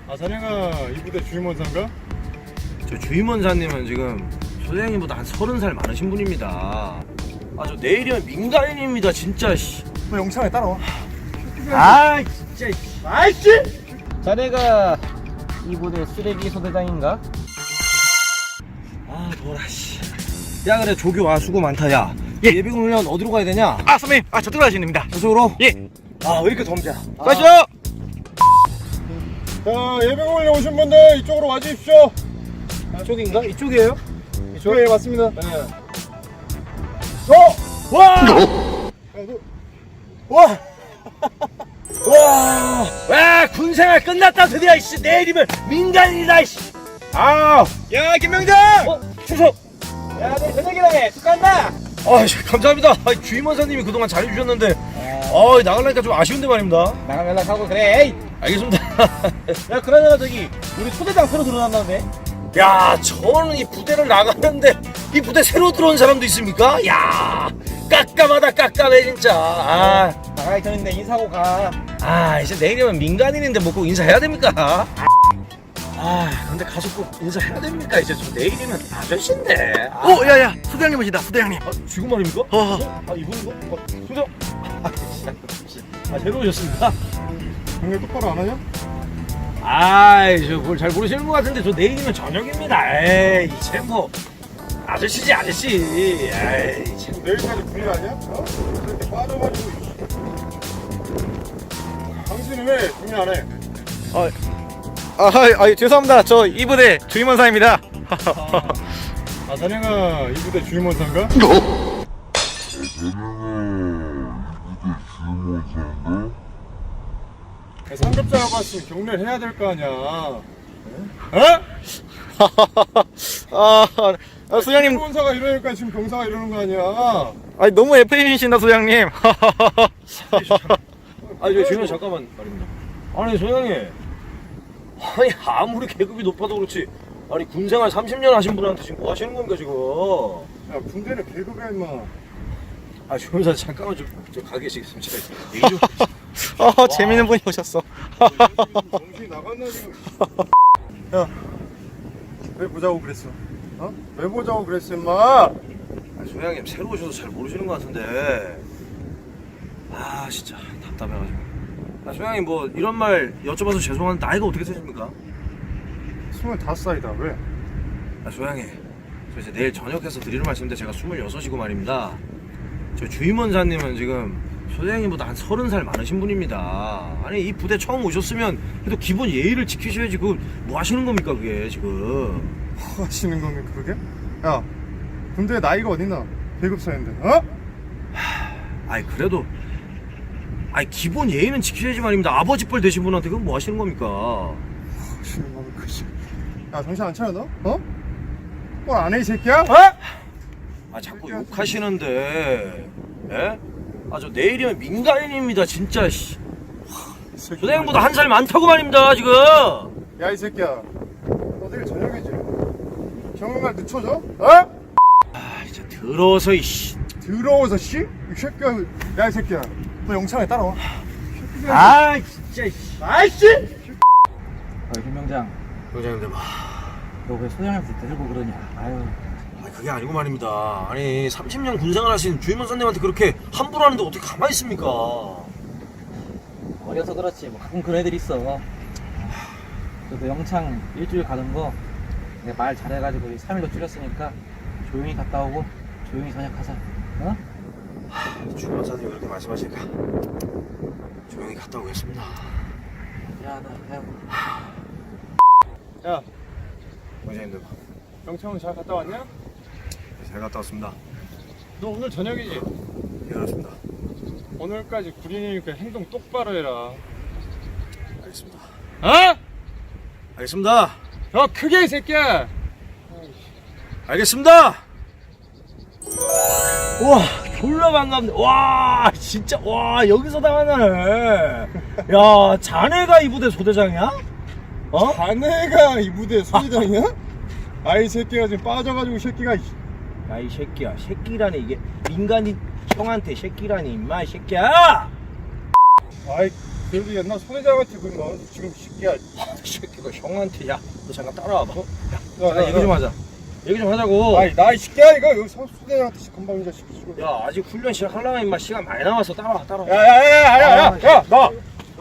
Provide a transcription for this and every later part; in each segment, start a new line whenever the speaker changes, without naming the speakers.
아, 자네가 이 부대 주임원사인가?
저 주임원사님은 지금 소장님보다 한 30살 많으신 분입니다. 아, 저 내일이면 민간인입니다, 진짜. 씨.
너 영창에 따라와.
아, 진짜. 아이씨!
자네가 이 부대 쓰레기 소대장인가?
아, 뭐라, 씨. 야, 그래, 조교 와, 수고 많다, 야. 예비군 훈련 어디로 가야 되냐?
아 선배님, 저쪽으로 가시면 됩니다.
저쪽으로?
예.
아, 왜 이렇게 덤벼?
가시죠.
자, 예비군에 오신 분들 이쪽으로 와주십시오.
이쪽인가? 이쪽이에요?
이쪽? 네, 맞습니다.
네.
와!
와! 와, 군생활 끝났다, 드디어, 이씨. 내일이면 민간인이다, 이씨. 아,
야 김명장.
추석.
야, 내 저녁이라네. 축하한다.
아, 감사합니다. 주임원사님이 그동안 잘해주셨는데, 나가려니까 좀 아쉬운데 말입니다.
나가면 연락하고 그래. 에이.
알겠습니다.
야, 그러잖아 저기 우리 소대장 새로 들어났다는데.
야, 저는 이 부대를 나가는데, 이 부대 새로 들어온 사람도 있습니까? 야, 깜깜하다, 깜깜해, 진짜.
나가기 전인데 인사하고 가.
이제 내일이면 민간인인데 뭐 꼭 인사해야 됩니까? 근데 가서 꼭 인사해야 됩니까? 이제 저 내일이면 아저씨인데.
야야, 소대장님 오신다. 소대장님.
지금 말입니까? 이분인가? 소장. 새로 오셨습니까?
경례 똑바로 안 하냐?
저 그걸 잘 모르시는 것 같은데 저 내일이면 저녁입니다. 에이, 이제 뭐 아저씨지, 아저씨. 에이, 참.
내일까지 군인 아니야? 이렇게 빠져가지고. 당신은 왜 군인 안 해?
죄송합니다. 저 이 부대 주임원사입니다.
아, 자네가 이 부대 주임원사인가? 상급자가 봤으면 경례를 해야 될 거 아니야.
소장님,
주임원사가 이러니까 지금 병사가 이러는 거 아니야.
너무 FM이신다 소장님.
저 주임원 잠깐만 말입니다. 아니, 소장님. 아무리 계급이 높아도 그렇지. 군생활 30년 하신 분한테 지금 뭐 하시는 겁니까, 지금?
야, 군대는 계급이야, 임마.
주임원사 잠깐만 좀 가 계시겠습니다. 제가 얘기 좀.
재밌는 분이 오셨어.
정신이 나갔나, 지금. 야, 왜 보자고 그랬어? 왜 보자고 그랬어, 임마?
소장님 새로 오셔서 잘 모르시는 것 같은데. 진짜 답답해가지고. 소장님 뭐 이런 말 여쭤봐서 죄송한데 나이가 어떻게 되십니까?
25살이다, 왜?
소장님, 저 이제 내일 저녁해서 드리는 말씀인데 제가 26이고 말입니다. 저 주임원사님은 지금 소장님보다 한 30살 많으신 분입니다. 아니, 이 부대 처음 오셨으면 그래도 기본 예의를 지키셔야지. 그 뭐 하시는 겁니까, 그게 지금?
뭐 하시는 겁니까, 그게? 야, 군대에 나이가 어딨나? 계급 차인데,
그래도 기본 예의는 지키셔야지 말입니다. 아버지 뻘 되신 분한테 그건 뭐 하시는 겁니까?
하시는 겁니까, 씨. 야, 정신 안 차려, 너? 뭘 안 해, 이 새끼야?
자꾸 욕하시는데, 예? 저 내일이면 민간인입니다, 진짜, 씨. 소장님보다 한 살 많다고 말입니다, 지금.
야, 이 새끼야. 너 내일 저녁이지? 경험날 늦춰져?
이제 더러워서, 이씨.
더러워서, 씨? 이 새끼야. 야, 이 새끼야. 너 영창에 따라와.
진짜, 이씨. 아이씨!
김명장,
소장님들,
너 왜 소장님한테 들고 그러냐?
그게 아니고 말입니다. 아니, 30년 군생활 하신 주임원사님한테 그렇게 함부로 하는데 어떻게 가만히 있습니까?
어려서 그렇지. 뭐 가끔 그런 애들 있어. 그래도 영창 일주일 가는 거 내가 말 잘해가지고 3일로 줄였으니까 조용히 갔다 오고 조용히 전역하자.
주임원사님이 그렇게 말씀하시니까 조용히 갔다 오겠습니다.
미안하다.
야,
원장님들,
영창은 잘 갔다 왔냐?
잘 갔다 왔습니다.
너 오늘 저녁이지?
예, 그렇습니다.
오늘까지 군인이니까 행동 똑바로 해라.
알겠습니다.
어?
알겠습니다.
더 크게, 이 새끼야!
알겠습니다. 와, 졸라 반갑네. 와, 진짜, 여기서 당하네. 야, 자네가 이 부대 소대장이야?
자네가 이 부대 소대장이야? 아이 새끼가 지금 빠져가지고 이 새끼가.
야, 이 새끼야, 새끼라니. 이게 민간인 형한테 새끼라니, 임마, 이 새끼야.
아이 그래도 옛날 소대장한테 뭐 지금 새끼야.
이 새끼 너 형한테 야 너 잠깐 따라와봐.
야,
얘기 좀 하자. 얘기 좀 하자고.
아니 나이 새끼야 이거 여기 소대장한테 건방진 자식.
야 아직 훈련 시작하려면 임마 시간 많이 남았어. 따라와.
야야야야야야 나.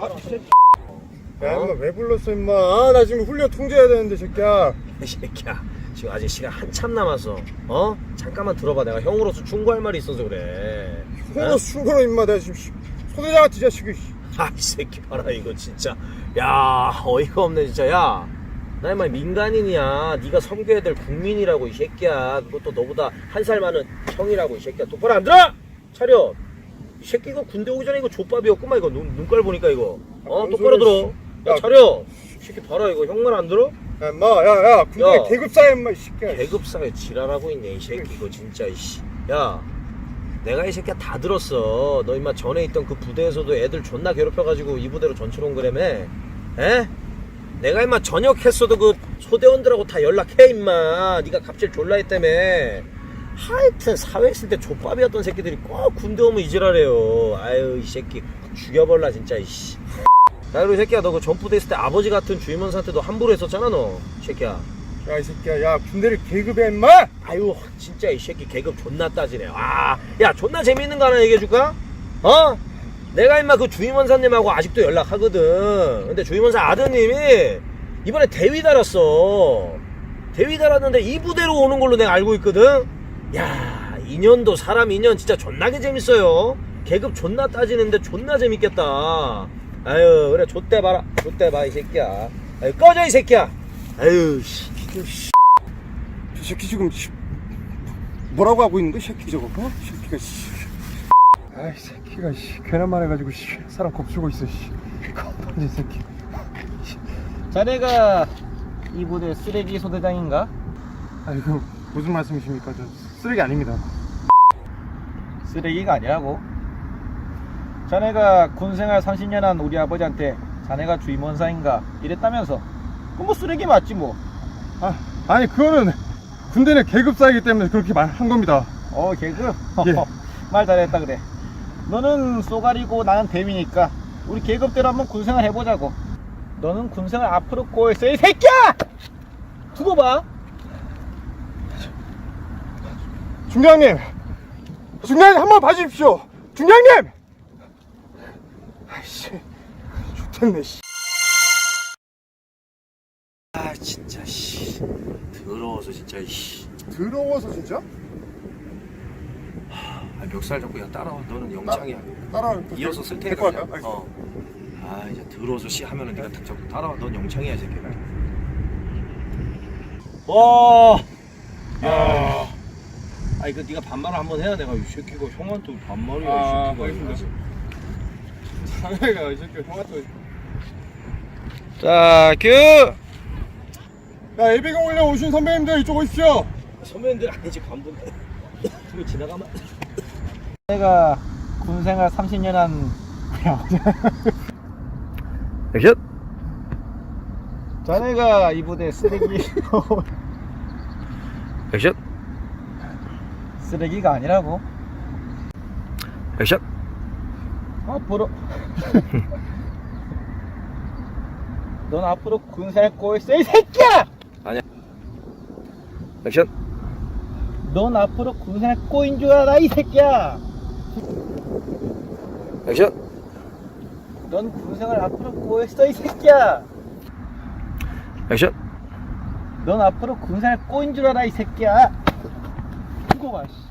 야 임마 왜 불렀어 임마. 아, 나 지금 훈련 통제해야 되는데 새끼야.
이 새끼야 지금 아직 시간 한참 남았어. 어? 잠깐만 들어봐. 내가 형으로서 충고할 말이 있어서 그래.
홍으로 충고로 임마 내가 지금 소대장한테 이 자식이.
아 이 새끼 봐라 이거 진짜. 야 어이가 없네 진짜. 야 나 임마 민간인이야. 네가 섬겨야 될 국민이라고 이 새끼야. 그것도 너보다 한 살 많은 형이라고 이 새끼야. 똑바로 안 들어? 차려. 이 새끼 이거 군대 오기 전에 이거 족밥이었구만. 이거 눈깔 보니까 이거.
뭔
똑바로 들어.
야,
야 차려. 이 새끼 봐라 이거 형 말 안 들어?
야 임마 야야 군대
야.
계급사야 임마 이 새끼야.
계급사에 지랄하고 있네 이 새끼 이거 진짜 이씨. 야 내가 이 새끼야 다 들었어. 너 임마 전에 있던 그 부대에서도 애들 존나 괴롭혀가지고 이 부대로 전출 온 거라며. 에? 내가 임마 전역했어도 그 소대원들하고 다 연락해 임마. 네가 갑질 졸라 했다며. 하여튼 사회 있을 때 족밥이었던 새끼들이 꼭 군대 오면 이지랄해요. 아유 이 새끼 죽여버라 진짜 이씨. 야 그리고 이 새끼야 너 그 전부대 있을 때 아버지 같은 주임원사한테도 함부로 했었잖아 너 이 새끼야.
야 이 새끼야 야 군대를 계급해 임마.
아유 진짜 이 새끼 계급 존나 따지네. 야 존나 재밌는 거 하나 얘기해줄까? 어? 내가 임마 그 주임원사님하고 아직도 연락하거든. 근데 주임원사 아드님이 이번에 대위 달았어. 대위 달았는데 이 부대로 오는 걸로 내가 알고 있거든. 야 인연도 사람 인연 진짜 존나게 재밌어요. 계급 존나 따지는데 존나 재밌겠다. 아유 그래 좆대 봐라. 좆대 봐 이 새끼야. 아유 꺼져 이 새끼야. 아유 씨.
저 새끼 지금 뭐라고 하고 있는 거야 새끼 저거. 어? 새끼가 씨. 아이 새끼가 씨 괜한 말 해가지고 씨 사람 겁주고 있어 씨. 건방진 새끼.
자네가 이 부대 쓰레기 소대장인가?
아이고 무슨 말씀이십니까? 저 쓰레기 아닙니다.
쓰레기가 아니라고. 자네가 군생활 30년 한 우리 아버지한테 자네가 주임원사인가 이랬다면서. 그럼 뭐 쓰레기 맞지 뭐.
아니 그거는 군대 내 계급사이기 때문에 그렇게 말한 겁니다.
계급?
예.
말 잘했다 그래. 너는 쏘가리고 나는 대위니까 우리 계급대로 한번 군생활 해보자고. 너는 군생활 앞으로 꼬였어 이 새끼야! 두고 봐.
중장님 한번 봐주십시오. 중장님. 아이씨 좋겠네 씨.
아 진짜 씨 더러워서 진짜 씨.
더러워서 진짜?
아, 멱살 잡고 야 따라와. 너는 영창이야.
따라
이어서 쓸
데리고
테니까.
갈까요? 알겠습니다.
아 이제 더러워서 씨 하면은 네가 딱 잡고 따라와. 넌 영창이야 이 새끼야. 와. 야. 아 이거 네가 반말을 한번 해야 내가 이 새끼가 형한테 반말이야 이 새끼가.
알겠습니다. 자네가 이 새끼 형한테.
자 큐.
야 예비군 올려 오신 선배님들 이쪽 오십시오.
선배님들 아니지 관분들. 그거 지나가면.
내가 군생활 30년 한
액션.
자네가 이 부대 쓰레기
액션.
쓰레기가 아니라고.
액션.
앞으로 넌 앞으로 군생활 꼬였어 이 새끼야!
아니야. 액션.
넌 앞으로 군생활 꼬인 줄 알아 이 새끼야!
액션.
넌 군생활 앞으로 꼬였어 이 새끼야!
액션.
넌 앞으로 군생활 꼬인 줄 알아 이 새끼야! 두고 봐 씨.